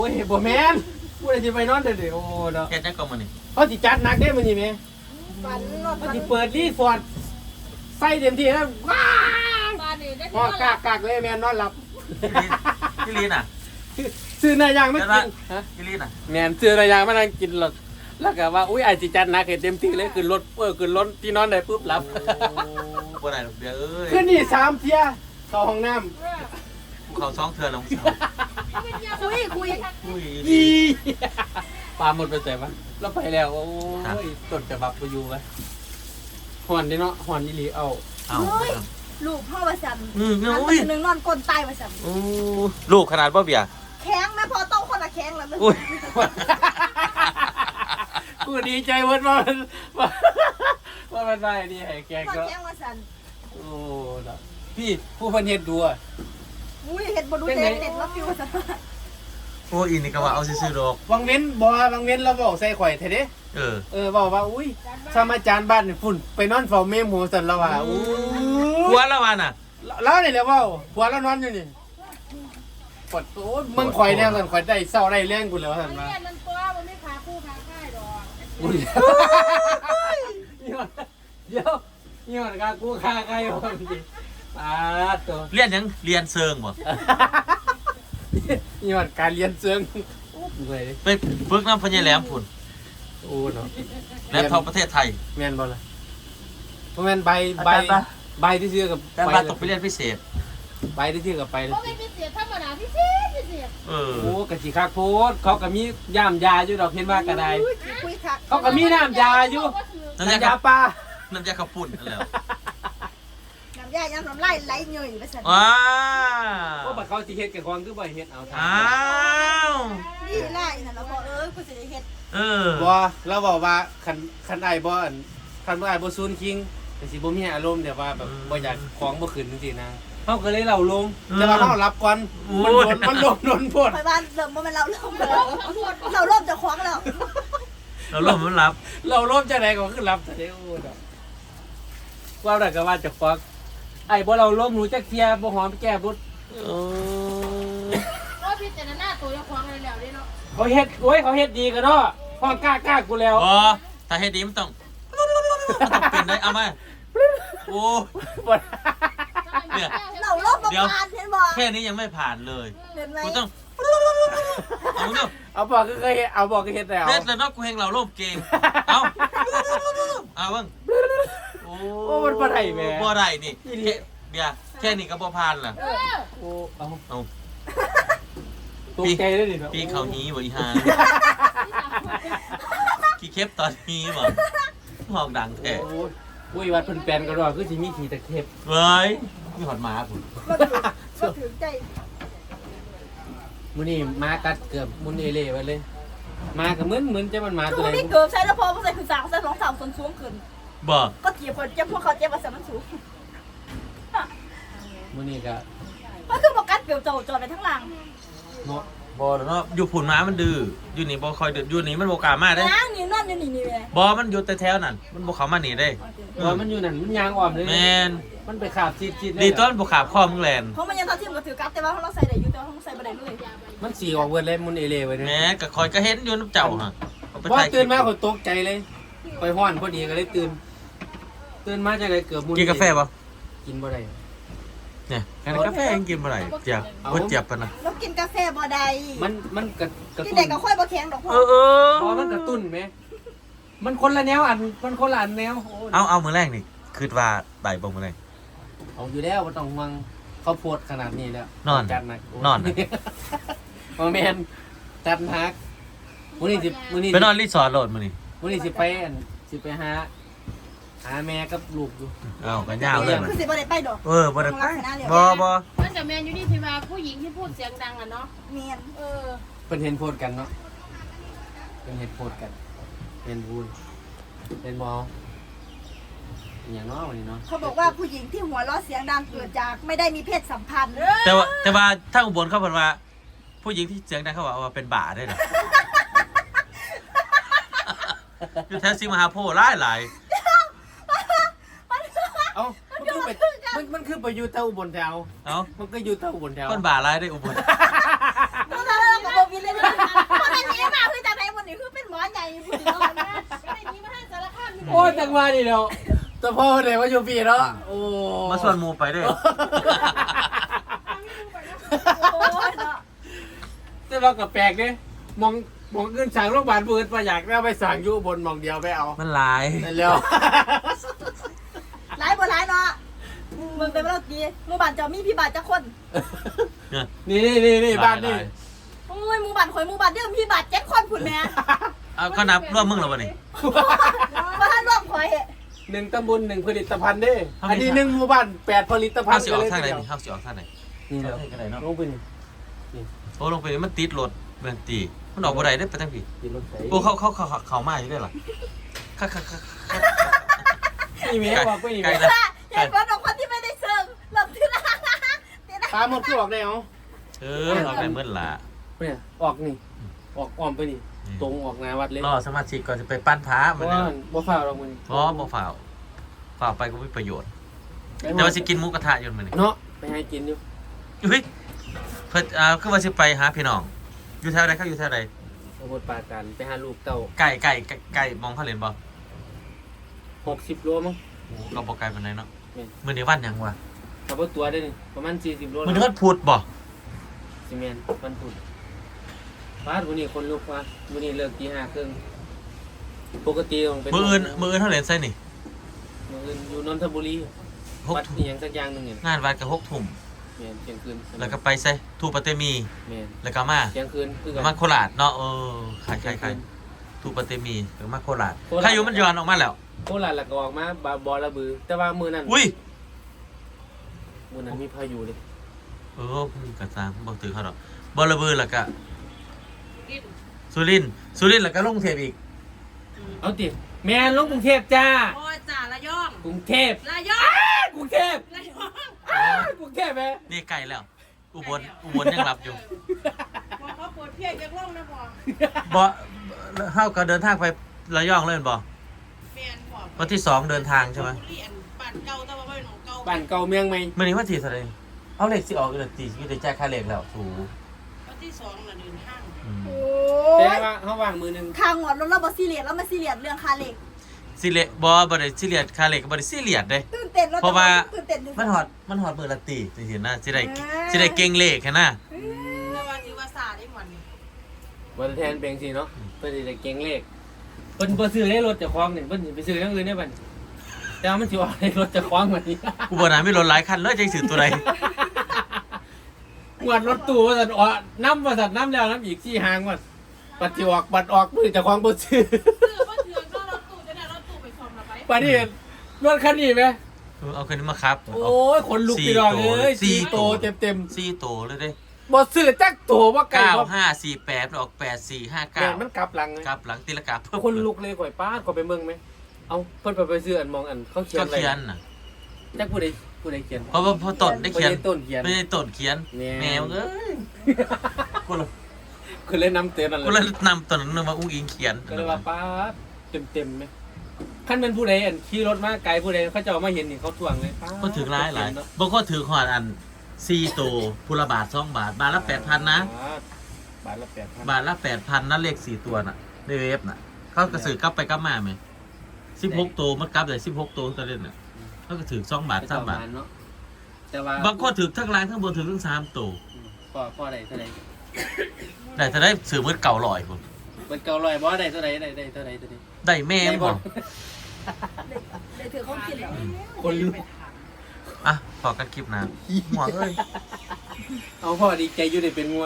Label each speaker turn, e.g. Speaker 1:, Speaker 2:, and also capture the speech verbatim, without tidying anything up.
Speaker 1: โอ้ยบ่แม่นผู้ใดสิไปนอนเด้อโอ้เนาะ
Speaker 2: แค่จังก็มื้อนี้
Speaker 1: เขาสิจัดหนักเด้มื้อนี้แม่
Speaker 3: ฝันนอน
Speaker 1: เขา
Speaker 3: ฝัน
Speaker 1: สิเปิดรีสอร์ทใส่เต็มที่แล้วว้า
Speaker 3: บ้านนี่ได้
Speaker 1: พอกากากเลยแม่นอนหลับ
Speaker 2: พี่ลีน่ะ
Speaker 1: ซื้อเนื้อย่างมากินฮะ
Speaker 2: พี่ลีน่ะ
Speaker 1: แม่นซื้อเนื้อย่างมานั่งกินหรอกแล้วก็ว่าอุ้ยไอ้สิจัดหนักให้เต็มที่เลยขึ้นรถเออขึ้นรถที่นอนได้ปุ๊บหลับ
Speaker 2: บ่ได้ดอกเดียวเอ้ย
Speaker 1: คืนนี้สามเที่ยเข้าห้องน้ำ
Speaker 2: เขาสองเทื่อแล้วมึง
Speaker 3: คุยคุย
Speaker 2: อุ้ย
Speaker 1: อีปลาหมดไปใส่ปะเราไปแล้วโอ้ยต้นจะบับไปอยู่ไว้หอนดิเนาะหอนอีหลีเอา
Speaker 2: เอ้า
Speaker 3: ลูกพ่อประสัน
Speaker 2: อืม
Speaker 3: อัน
Speaker 2: อุ้ย
Speaker 3: หนึ่งนอนก้นตายประสัน
Speaker 2: โอ้ลูกขนาดบ่เบีย
Speaker 3: แข็งแม่พอโตคนละแข็งแล้ว
Speaker 2: อุ้ย
Speaker 1: กูดีใจเวิร์ดว่ามันว่าว่ามันได้ดีให้แก
Speaker 3: ก็
Speaker 1: ก็
Speaker 3: แข็งประสัน
Speaker 1: โอ้ดอกพี่ผู้พันเฮ็ดดูอ่ะ
Speaker 3: อุ้ยเห็ดบดูเด็ดเด็ดแล้วฟิวประสัน
Speaker 2: โอ้อินนี่ก็ว่าเอาซื่อๆดอก
Speaker 1: วังเว้นบ่วังเว้นเราบอกใส่ข่อยเท่เด้
Speaker 2: เออ
Speaker 1: เออบอกว่าอุ้ยสมาจารย์บ้านนี่ฝุ่นไปนอนเฝ้าเมมโหสันแล้วว่าอู้
Speaker 2: หัวละวันน่ะ
Speaker 1: แล้วนี่แหละเว้าหัวแล้วนอนอยู่นี่ปวดโอ้ยมึงข่อยแน่สันข่อยได้เศร้าได้แรงกูแล้วสันว่า
Speaker 3: เนี่ยนั่นตัวมันไม่ขาคู่ขาค่ายดอก
Speaker 1: อุ้ยเดี๋ยวนี่มันกากูฆ่าใครวะพี่ปาดตัว
Speaker 2: เรียนหยังเรียนเซิงบ่
Speaker 1: นี่มันการเรียนเชิงโอ้ยเลย
Speaker 2: ไปฝึกน้ำพญาแหลมพุ่น
Speaker 1: โอ้เนาะ
Speaker 2: แหลมทองประเทศไทย
Speaker 1: แม่นบ่ล่ะบ่แม่นใบใบ
Speaker 2: อาจารย์ปะ
Speaker 1: ใบที่ซื้อกับ
Speaker 2: แต่ว่าต้องไปเรียนพิเศษ
Speaker 1: ใบที่ซื้อกับไปเลย
Speaker 3: เพราะไม่พิเศษธรรมดาพิเศษพิเศษ
Speaker 2: เออ
Speaker 1: โอ้กะสิคักโพดเขาก็มีย่ามยาอยู่ดอกเห็นว่ากระได
Speaker 3: คุยคัก
Speaker 1: เขาก็มีน้ำยาอยู่
Speaker 2: น้ำยา
Speaker 1: น้ำยาปลา
Speaker 2: น้ำยาข้าวปุ้นนั่นแหละ
Speaker 3: น้ำยายังน้ำไหลไหลเงยประสัน
Speaker 2: ว้า
Speaker 1: โอ้บัดเขาสิเฮ็ดกับของคือบ่เฮ็ดเอาทา
Speaker 2: อ้าว
Speaker 3: นี่ไล่นั่นแล้วบอกเออกูจะได้เห็ด
Speaker 2: เออ
Speaker 1: บ่เราบอกว่าคันคันไอ้บ่อันคันบ่ไอ้บ่ซูนคิงก็สิบ่มีอารมณ์แต่ว่าแบบบ่อยากของบ่ขึ้นจังซี่นะเฮาก็เลยเล่าลงแต่ว่าเฮารับก่อนมันโดนมันลงโดนโพด
Speaker 3: ไปบ้านเริ่มว่ามันเราเริ่มแล้วเราเริ่มจะคว้างแล้ว
Speaker 2: เราล่มมันรับ
Speaker 1: เราลบจังไดก็คือรับแต่เด้อโอ้ดอกว่าได้ก็ว่าจะฟักไอ้บ่เราล้มหนูจักเทียบ่หอมแก้บุด
Speaker 2: เออ
Speaker 3: ก็พิจารณาตัวจะคว้างเลยแล้วนี่เนาะ
Speaker 1: เขาเฮ็ดโอ้ยเขาเฮ็ดดีกันเนาะพ่อกล้ากล้ากูแล้ว
Speaker 2: พอถ้าเฮ็ดดีมันต้องมันต้องเป็นได้เอามาโอ้ เนี่ย
Speaker 3: เราเริ่มประมาณเห็นบอก
Speaker 2: แค่นี้ยังไม่ผ่านเลย
Speaker 3: เห็นไหม
Speaker 2: กูต้องเอาเนาะ
Speaker 1: เอาบอกก็เคยเฮ็ดเอาบอกก็เฮ็ดแล้ว
Speaker 2: เฮ็ดแล้วเนาะกูเฮงเราโลภเก่งเอาเอาเบิ่งโอ้
Speaker 1: โอ้มันบ่ได้แหม่
Speaker 2: บ่ได้นี่แค่เดี๋ยวแค่นี้ก็บ่ผ่านล่ะ
Speaker 3: เออ
Speaker 1: โอ้เอา
Speaker 2: เอา
Speaker 1: ตกใจเลยดิเนาะ
Speaker 2: ปีเขานี้บ่อีห่าขี้เข็บตอนนี้บ่ห้องดังแท้
Speaker 1: โอ้ยโอ้ยวัดเพิ่นแปลนก็ดอกคือสิมีขี้ตะเข็บ
Speaker 2: เว้ยมีหอดหมาพุ่น
Speaker 3: ก็ถือก็ถือใจ
Speaker 1: มื้อนี้หมากัดเกือบมุนเอเล่ไว้เลยหมาก็เหมือนเหมือนจะมันหมา
Speaker 3: คื
Speaker 1: ตัว
Speaker 3: อ
Speaker 1: ไหน
Speaker 3: นี่เกิดใช่แล้วพอมันใส่คือสามใส่สองสามส่วนสูงขึ้น
Speaker 2: บ่
Speaker 3: ก็เกี่ยวคนเจ็บพวกเขาเจ็บมาสมันสูง
Speaker 1: มื้อนี้ก็
Speaker 3: ก็คือบอกกัดเกี่ยวโจจอดไปทั้งหลัง
Speaker 1: เนาะ
Speaker 2: บ่แล้วเนาะอยู่พุ่นหมามันดื้ออยู่นี่บ่ค่อยดื้ออยู่นี่มันบ่กล้ามาเด้
Speaker 3: ล้างนี่นั่นนี่นี่นี่เลย
Speaker 2: บ่มันอยู่แต่แถวนั้นมันบ่เข้ามานี่ได้
Speaker 1: ว่ามันอยู่นั่นมันยางอ่อมเลย
Speaker 2: แม่น
Speaker 1: มันไปขาบซีดๆเลย
Speaker 2: ดีต้นบ่ขาบคอมึงแลน
Speaker 3: เพราะมันยังทัดทีมกับถือกัดแต่ว่าเราใส่ได้อยู่แต่ว่าเราใส่ไม่ได้เลย
Speaker 1: มันสีออกเวิร์ดเลยมุนเอเล่ไว้เลย
Speaker 2: แหม่ก็คอยก็เห็นอยู่น้ำเจ้าฮะเอาไป
Speaker 1: พอ
Speaker 2: ถ่ายคลิ
Speaker 1: ตื่
Speaker 2: ป
Speaker 1: นมาเขาตกใจเลยไปห้อนพอดีก็เลยตื่น ตื่นมาจากไรเกือบมุน
Speaker 2: กินกาแฟป่ะ
Speaker 1: กินบ่ได้
Speaker 2: เนี่ยกาแฟยังกินบ่ได้เจียบบ่เจียบปะนะ
Speaker 3: เรากินกาแฟบ่ได้
Speaker 1: มันมันกระกระ
Speaker 3: กิน
Speaker 1: ตุ้
Speaker 3: เด็ก
Speaker 1: น
Speaker 3: ก็ค่อยบ่แข็งดอกพ่อ
Speaker 2: เออเออ
Speaker 1: พอมันกระตุ้นไหมมันคนละแนวอันมันคนละอันแนวโย
Speaker 2: เอาเอามื้อแรกนี่คิดว่าบ่ายบ่มื้อแรก
Speaker 1: เอาอยู่แล้วมันต้องห่วงเขาโพดขนาดนี้แล้ว
Speaker 2: นอน
Speaker 1: จัดหนัก
Speaker 2: นอน
Speaker 1: มาแมนจัดหนักมื้อนี้สิมื้อนี้
Speaker 2: ไปนอนรีสอร์ทโหลดมื้อนี้
Speaker 1: มื้อนี้สิไปอันสิไปหาหาแม่กับลูกอยู่
Speaker 2: เอาก็ยาวเลยมัน
Speaker 3: คือสิบ่ได้ไปดอก
Speaker 2: เออบ่ได้ไปบ่บ่
Speaker 4: มันจะแมนอยู่นี่ที่ว่าผู้หญิงที่พูดเสียงดังอะเนาะ
Speaker 3: เมียน
Speaker 4: เออ
Speaker 1: เพิ่นเห็นโพดกันเนาะเพิ่นเห็นโพดกันเห็นบูนเห็นบ่อหย่างเนาะวันนี้เนาะ
Speaker 3: เขาบอกว่าผู้หญิงที่หัวเราะเสียงดังเกิดจากไม่ได้มีเพศสัมพันธ์
Speaker 2: แต่ว่าแต่ว่าถ้าอุบลเขาเพิ่นว่า ผู้หญิงที่เสียงดังเขาว่าเป็นบ้าได้เหรออยู่แถวสิงห์มหาโพธิ์หลายหลาย
Speaker 1: เอ้ามันคือไปมันมันคือไปอยู่เท่าอุบลแถว
Speaker 2: เอ้า
Speaker 1: มันก็อยู่เท่าอุบลแถว
Speaker 2: คนบ้าหลายได้อุบล
Speaker 3: ตอนนั้นเราก็บอกวินเลยนะ
Speaker 1: ว่านี่แล้วแต่พ่อเดี๋ยวว่าอยู่ปีเนาะโอ้
Speaker 2: มาส่วนหมูไปด้วย
Speaker 3: โอ้ยเนาะ
Speaker 1: แต่ว่าก็แปลกเด้มองมองเงินสั่งโรงพยาบาลเปิดมาอยากเอาไปสั่งอยู่บนมองเดียวไปเอา
Speaker 2: มันหลาย
Speaker 1: นั่นแล้ว
Speaker 3: หลายบ่หลายเนาะมึงเป็นเราดีหมู่บ้านเจ้ามีพี่บ้านจักคน
Speaker 1: นี่นี่นี่นี่บ้านนี่
Speaker 3: โอ้ยหมู่บ้านข่อยหมู่บ้านเดิมพี่บ้านเจ็ดคนพุ่นแม่
Speaker 2: เอาก็นับร่วมมึงแล้ววะนี่
Speaker 3: บ่ทันรวมข่อย
Speaker 1: หนึ่งตำบลหนึ่งผลิตภัณฑ์เด้
Speaker 2: เอาไป
Speaker 1: อันนี้หนึ่งหมู่บ้านแปดผลิตภัณ
Speaker 2: เข้า
Speaker 1: ฑ์
Speaker 2: สิออกทางไหนนี่เข้าสิออกทางไหน
Speaker 1: นี่แล้ว
Speaker 2: เข้าทางไหนเนาะ
Speaker 1: ลงไปนี่
Speaker 2: โอ้ลงไปนี่มันติดรถเมืองตีมันออกบ่ได้ได้ไปทางพี่
Speaker 1: กินรถไฟ
Speaker 2: โอ้เขาเขาเขาเขาเขามาอยู่ได้หรอค่ะค่ะค่ะ
Speaker 1: นี่มีบอกไปนี่
Speaker 2: ไกล
Speaker 1: ไหม
Speaker 2: นะ
Speaker 3: เห็นว่าน้องคนที่ไม่ได้เซิงหลับที่ร้านที่ร้าน
Speaker 1: ปลาหมดคือออกได้เหรอ
Speaker 2: เออออกได้เมื่อละ
Speaker 1: เนี่ยออกนี่ออกอ้อมไปนี่ตรงออกหนาวัดเลย
Speaker 2: รอสมาชิกก่อนจะไปปั้นพระ
Speaker 1: เพ
Speaker 2: มัน
Speaker 1: ราะ
Speaker 2: เนี่
Speaker 1: ว่าย บ่ฟ้าวเรามือ
Speaker 2: เพราะบ่ฝ่าวฝ่าวไปก็ไม่ประโยชน์แต่ว่าสิกินหมูกระทะอยู่มื้อนี้
Speaker 1: เนาะไปให้กินอยู่
Speaker 2: เฮ้ยเพิ่นอ่าคือว่าสิไปหาพี่น้องอยู่แถวใดเขาอยู่แถวใด
Speaker 1: สมุทรปราการไปหาลูกเต้า
Speaker 2: ไก่ไก่ไก่ไก่มองเขาเล่นบ่
Speaker 1: หกสิบโลมั้ง
Speaker 2: ก็บ่ไกลปานใดเนาะ
Speaker 1: แม่น
Speaker 2: มื้อนี้วันหยังวะ
Speaker 1: ขับรถตัวได้นี่ประมาณสี่สิบโล
Speaker 2: มื้อนี้วันพุธบ่
Speaker 1: ซีเมนต์มันตุ่นฟ้าวันนี้คนลุกว่าวันนี้เลิกตีห้าครึ่งปกติต้องเป็น
Speaker 2: มื้ออื่นมื้ออื่นเฮาเล่นไสนี่
Speaker 1: มื้ออื่นอยู่นนทบุรี
Speaker 2: หก
Speaker 1: วัด
Speaker 2: ทุ่ม
Speaker 1: นี่ยังสักอย่างหนึงเนี่ย
Speaker 2: งานวัดก็หกทุ่ม
Speaker 1: แม่นเที่ยงคืน
Speaker 2: แล้วก็ไปไสทูปะเตมี
Speaker 1: แม่น
Speaker 2: แล้วก็มา
Speaker 1: เที่ยงคืนคือ
Speaker 2: มาโคราชเนาะเออใครใครใครทูปะเตมีหรือมาโคราชใครอยู่มันย้อนออกมาแล้ว
Speaker 1: โคราชแล้วก็ออกมาบาบอระบือ แต่ว่ามื้อนั้น
Speaker 2: อุ้ย
Speaker 1: มื้อนั้นมีพายุเลย
Speaker 2: เออมันกระซังบอกถือเขาดอกบอระเบือแล้วก็
Speaker 4: กิน
Speaker 2: สุรินทร์สุรินทร์แล้วก็ลงเทพอีก
Speaker 1: เอาติแม่นลงกรุงเทพจ้า
Speaker 4: โอ้ยจ่าละย่อง
Speaker 1: กรุงเทพ
Speaker 4: ละย่อง
Speaker 1: กรุงเทพ
Speaker 4: ละย่อง
Speaker 1: อ้ากรุงเทพแม่
Speaker 2: นี่ใกล้แล้ว อุบลอุบลยังรับอยู่
Speaker 4: พอเขาปวดเพียงจากล่องนะพอบ
Speaker 2: อเท่ากับเดินทางไประยองเลยบ่
Speaker 4: เปลี่ยนพอ
Speaker 2: วันที่สองเดินทางใช่ไหม
Speaker 4: เรียนบ้านเก่าแต่ว่าไม่หนองเก่า
Speaker 1: บ้านเก่าเมืองใหม่
Speaker 2: มื่อนี้วันที่เท่าไหรเอาเหล็กสิออกอีกแล้วตีสิได้แจ้งค่าเหล็กแล้วถู
Speaker 4: วันที่สองน่ะเดินห้าง
Speaker 2: อืม
Speaker 3: โอ้
Speaker 1: แต่
Speaker 3: ย
Speaker 1: ว่าเขาวางมือหนึง
Speaker 3: ทางหอดรถเราบอซีเรียสแล้วมาซีเรียสเรื่องคาเหล็ก
Speaker 2: สิเหล็กบอบริสิเหลียดค่าเหล็กบริสิเหลียดเด้
Speaker 3: ตื่นเต้นเรา
Speaker 2: เพราะว่า
Speaker 3: ตื่นเต้น
Speaker 2: มันหอดมันหอดมือละตีจริงๆนะสิได้สิได้เก่งเลขแค่น่ะ
Speaker 4: แต่ว่าที่ว่าซาได้หมดนี่
Speaker 1: วันแทนเบงสิเนาะเพื่อจะได้เก่งเลขเพิ่นบ่ซื้อได้รถเจากคลองนี่เพิ่นสิไปซื้ออย่างอื่นได้บัดนี้แต่ว่ามันสิออกได้รถเจากคลองบัดนี้
Speaker 2: กูบอกนะไม่รถหลายคันเลยจะสื่อตัวใด
Speaker 1: งวดรถตู้ว่าซั่นออกนำว่าซั่นนำแล้วนำอีกสี่หางว่าปัดสิออกบัดออกมือเจากคลองบ่ซื้อ
Speaker 4: ซื้อว่าเถื่อนก็รถตู้จะได้รถตู้ไปส่งละไป
Speaker 1: บัดนี้รถคันนี้แหม
Speaker 2: เออเอาคืนนี้มาครับ
Speaker 1: โอ้ยขนลุกพี่น้องเอ้ย
Speaker 2: สี่
Speaker 1: สี่
Speaker 2: โต
Speaker 1: โตเต็ม
Speaker 2: สี่โตเลยเด้
Speaker 1: ๆบ่ซื้อจักโตบ่ไกล
Speaker 2: เก้า
Speaker 1: บ่
Speaker 2: ห้าสี่แปดออกแปดสี่ห้า
Speaker 1: แม่
Speaker 2: เก้าน
Speaker 1: มันกลับหลังเลย
Speaker 2: กลับหลังตีละกาเพิ่ม
Speaker 1: คนลุกเลยข่อยป้าดข่อยไปเมืองไหมเอาเพิ่นไปไปซื้ออันมองอันเขาเขียน
Speaker 2: ก็
Speaker 1: อะไร
Speaker 2: เขียนน่ะ
Speaker 1: จักผู้ใดผู้ใดเขียน
Speaker 2: เพราะว่าพอต้นได้เขียน
Speaker 1: บ่ต้นเขียน
Speaker 2: ไม่ได้ต้นเขียน
Speaker 1: แม่
Speaker 2: แมวเอ้ยกูเลย
Speaker 1: คือเล่นน้ำเตือนนั่น
Speaker 2: กูเลยนำต้นนั้นมาอุ้งอิงเขียน
Speaker 1: ก็เลยว่าป้าดเต็มๆไหมขั้นเป็นผู้ใดอันขี่รถมาไกลผู้ใดเขาจะเอามาเห็นนี่เขาทวงเลยป๊าด
Speaker 2: ก็ถือร้ายหลายบางคนถือขวดอันสี่โตพุละบาทสองบาท บาทละแปดพันนะ
Speaker 1: บาทละแปดพัน
Speaker 2: บาทละแปดพันนั่นเลขสี่ตัวน่ะในเว็บน่ะ เขากระสือกลับไปกลับมาไหมสิบหกตัวมันกลับเลยสิบหกตัวก็เล่นน่ะเขาก็ถือสองบาทสามบาท
Speaker 1: เนาะแต่ว่า
Speaker 2: บางคนถือทั้งล่างทั้งบนถือทั้งสามตัว
Speaker 1: พ่อพ่อใดเท่าใด
Speaker 2: แต่จะได้สื่อมืดเก่าลอยคน
Speaker 1: มันเก่าลอยบ่ได้เท่าใดได้ได้เท่าใดเท่าใด
Speaker 2: ได้แม่งบอก
Speaker 3: เดี๋ยวถือเขากินแล้ว
Speaker 1: คนลุก
Speaker 2: อ่ะพอกันคลิปนะหัวเอ้ย
Speaker 1: เอาพ่อดีใจอยู่ได้เป็นงัว